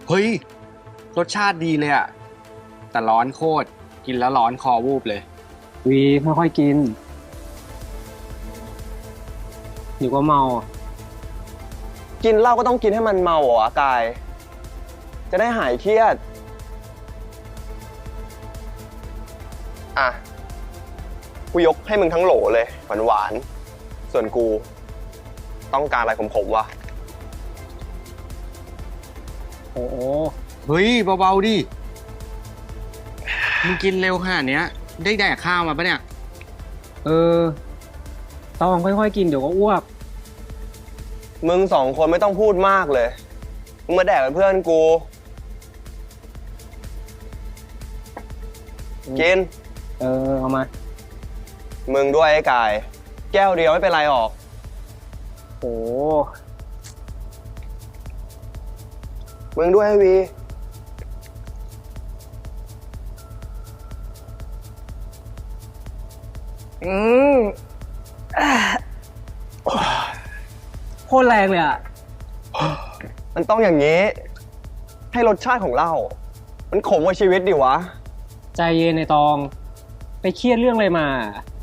เฮ้ยรสชาติดีเลยอะแต่ร้อนโคตรกินแล้วร้อนคอวูบเลยวีค่อยๆกินเดี๋ยวก็เมากินเหล้าก็ต้องกินให้มันเมาเหรอวะกาย จะได้หายเครียด อ่ะ กูยกให้มึงทั้งโหลเลยหวานๆส่วนกูต้องการอะไรขมๆวะโอ้โหเฮ้ยเบาๆดิมึงกินเร็วขนาดเนี้ยได้แดกข้าวมาปะเนี่ยเออต้องค่อยๆกินเดี๋ยวก็อ้วกมึงสองคนไม่ต้องพูดมากเลย มึงมาแดกเป็นเพื่อนกู กินเออเอามามึงด้วยไอ้กาย แก้วเดียวไม่เป็นไรหรอกโอ้มึงด้วยไอ้วีอืมโคตรแรงเลยอ่ะมันต้องอย่างนี้ ให้รสชาติของเหล้ามันขมกว่าชีวิตดิวะใจเย็นในตอง ไปเครียดเรื่องอะไรมา